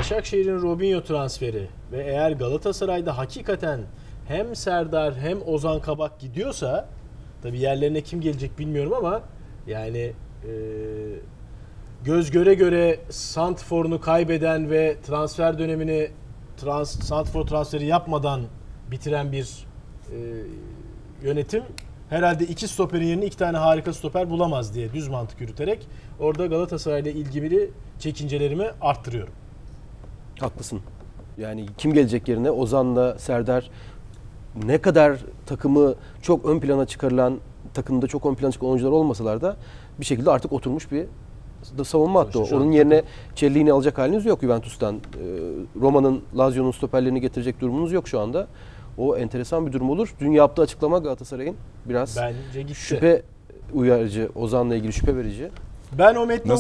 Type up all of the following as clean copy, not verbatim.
Başakşehir'in Robinho transferi ve eğer Galatasaray'da hakikaten hem Serdar hem Ozan Kabak gidiyorsa, tabii yerlerine kim gelecek bilmiyorum ama yani göz göre göre santrforunu kaybeden ve transfer dönemini santrfor transferi yapmadan bitiren bir yönetim herhalde 2 stoperin yerine 2 tane harika stoper bulamaz diye düz mantık yürüterek orada Galatasaray'la ilgili çekincelerimi arttırıyorum. Haklısın. Yani kim gelecek yerine? Ozan'la Serdar ne kadar takımı çok ön plana çıkarılan, takımda çok ön plana çıkan oyuncular olmasalar da bir şekilde artık oturmuş bir savunma hattı o. Onun yerine Cellini alacak haliniz yok Juventus'tan. Roma'nın, Lazio'nun stoperlerini getirecek durumunuz yok şu anda. O enteresan bir durum olur. Dün yaptığı açıklama Galatasaray'ın biraz şüphe uyarıcı, Ozan'la ilgili şüphe verici. Ben o metni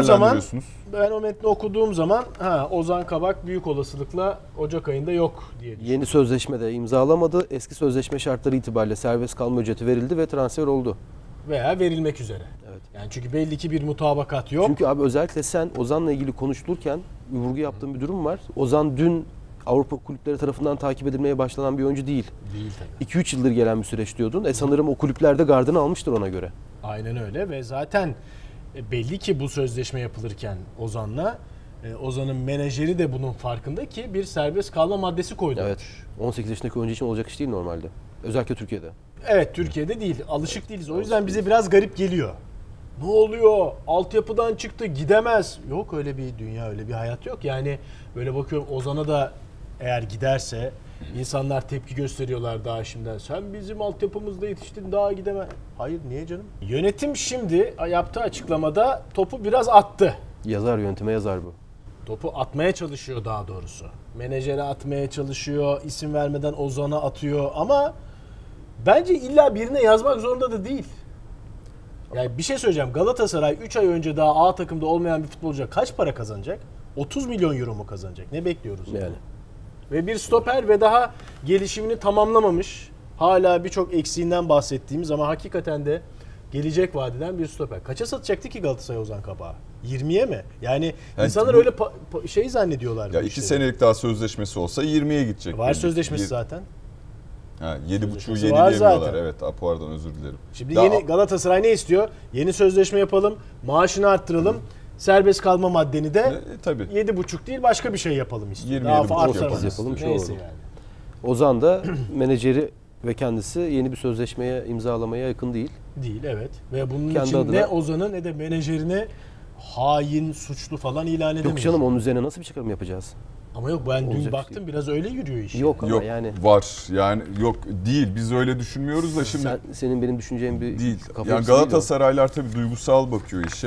okuduğum zaman Ozan Kabak büyük olasılıkla Ocak ayında yok diye düşünüyorum. Yeni sözleşme de imzalamadı. Eski sözleşme şartları itibariyle serbest kalma ücreti verildi ve transfer oldu. Veya verilmek üzere. Evet. Yani çünkü belli ki bir mutabakat yok. Çünkü abi özellikle sen Ozan'la ilgili konuşulurken vurgu yaptığın bir durum var. Ozan dün Avrupa kulüpleri tarafından takip edilmeye başlanan bir oyuncu değil. Değil tabii. 2-3 yıldır gelen bir süreç diyordun. Sanırım o kulüplerde gardını almıştır ona göre. Aynen öyle ve zaten belli ki bu sözleşme yapılırken Ozan'la Ozan'ın menajeri de bunun farkında ki bir serbest kalma maddesi koydu. Evet. 18 yaşındaki oyuncu için olacak iş değil normalde. Özellikle Türkiye'de. Evet, Türkiye'de değil. Alışık değiliz. O yüzden bize biraz garip geliyor. Ne oluyor? Altyapıdan çıktı, gidemez. Yok öyle bir dünya, öyle bir hayat yok. Yani böyle bakıyorum Ozan'a da eğer giderse insanlar tepki gösteriyorlar daha şimdiden. Sen bizim altyapımızda yetiştin, daha gidemez. Hayır, niye canım? Yönetim şimdi yaptığı açıklamada topu biraz attı. Yönetime yazar bu. Topu atmaya çalışıyor daha doğrusu. Menajere atmaya çalışıyor, isim vermeden Ozan'a atıyor ama bence illa birine yazmak zorunda da değil. Yani bir şey söyleyeceğim. Galatasaray 3 ay önce daha A takımda olmayan bir futbolcuya kaç para kazanacak? 30 milyon euro mu kazanacak? Ne bekliyoruz? Yani. Ve bir stoper ve daha gelişimini tamamlamamış. Hala birçok eksiğinden bahsettiğimiz ama hakikaten de gelecek vadeden bir stoper. Kaça satacaktı ki Galatasaray Ozan Kabak'ı? 20'ye mi? Yani insanlar öyle zannediyorlar. Ya 2 senelik daha sözleşmesi olsa 20'ye gidecek. Var sözleşmesi zaten. 7,5'u yenileyemiyorlar. Evet, pardon, özür dilerim. Şimdi yeni Galatasaray ne istiyor? Yeni sözleşme yapalım, maaşını arttıralım. Serbest kalma maddeni de tabii 7,5 değil başka bir şey yapalım istiyor. 27,5 yapalım. Neyse yani. Ozan da menajeri ve kendisi yeni bir sözleşmeye imzalamaya yakın değil. Değil, evet. Ve bunun kendi için adına ne Ozan'ı ne de menajerini hain, suçlu falan ilan edemeyiz. Yok canım, onun üzerine nasıl bir çıkarım yapacağız? Ama yok, ben dün baktım biraz öyle yürüyor iş. Yok ama yani. Var yani, yok değil, biz öyle düşünmüyoruz da şimdi. Senin benim düşüneceğim bir değil. kafa Yani Galatasaraylar tabii duygusal bakıyor işe.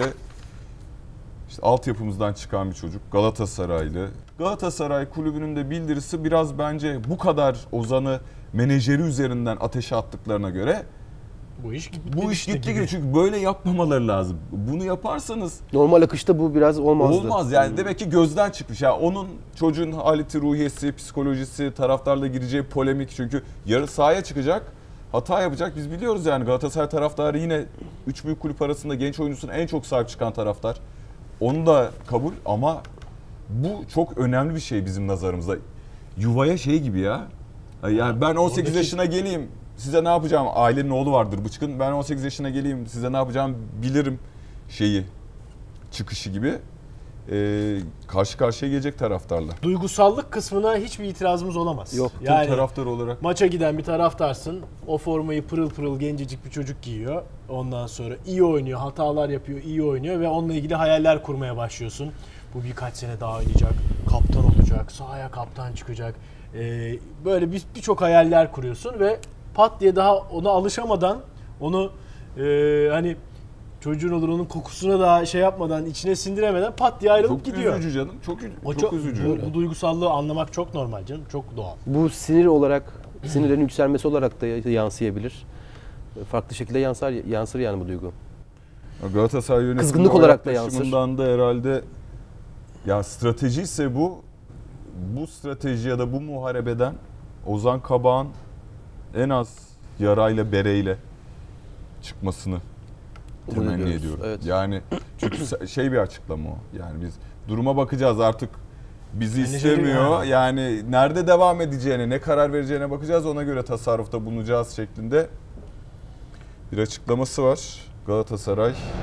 İşte altyapımızdan çıkan bir çocuk, Galatasaraylı. Galatasaray kulübünün de bildirisi biraz bence bu kadar Ozan'ı menajeri üzerinden ateşe attıklarına göre bu iş gitti gibi. Çünkü böyle yapmamaları lazım. Bunu yaparsanız normal akışta bu biraz olmazdı. Olmaz yani, demek ki gözden çıkmış. Yani onun, çocuğun haleti, ruhiyesi, psikolojisi, taraftarla gireceği polemik, çünkü yarın sahaya çıkacak, hata yapacak. Biz biliyoruz yani, Galatasaray taraftarı yine 3 büyük kulüp arasında genç oyuncusuna en çok sahip çıkan taraftar. Onu da kabul ama bu çok önemli bir şey bizim nazarımızda. Yuvaya şey gibi ya. Yani ben 18 yaşına geleyim, size ne yapacağım? Ailenin oğlu vardır bıçkın. Ben 18 yaşına geleyim, size ne yapacağım bilirim çıkışı gibi. Karşı karşıya gelecek taraftarla. Duygusallık kısmına hiçbir itirazımız olamaz. Yok. Yani taraftar olarak. Maça giden bir taraftarsın. O formayı pırıl pırıl gencecik bir çocuk giyiyor. Ondan sonra iyi oynuyor, hatalar yapıyor, iyi oynuyor ve onunla ilgili hayaller kurmaya başlıyorsun. Bu birkaç sene daha oynayacak, kaptan olacak, sahaya kaptan çıkacak. Böyle birçok hayaller kuruyorsun ve pat diye daha ona alışamadan, onu hani çocuğun olur onun kokusuna da şey yapmadan, içine sindiremeden pat diye ayrılıp gidiyor. Çok üzücü canım. Çok üzücü. Bu duygusallığı anlamak çok normal canım. Çok doğal. Bu sinirlerin yükselmesi olarak da yansıyabilir. Farklı şekilde yansır yani bu duygu. Galatasaray yönetimi kızgınlık olarak da yansır. Da herhalde ya, strateji ise bu strateji ya da bu muharebeden Ozan Kabak'ın en az yarayla bereyle çıkmasını temenni ediyorum. Evet. Yani çünkü bir açıklama o. Yani biz duruma bakacağız artık, bizi Menajeri istemiyor. Yani nerede devam edeceğine, ne karar vereceğine bakacağız. Ona göre tasarrufta bulunacağız şeklinde bir açıklaması var. Galatasaray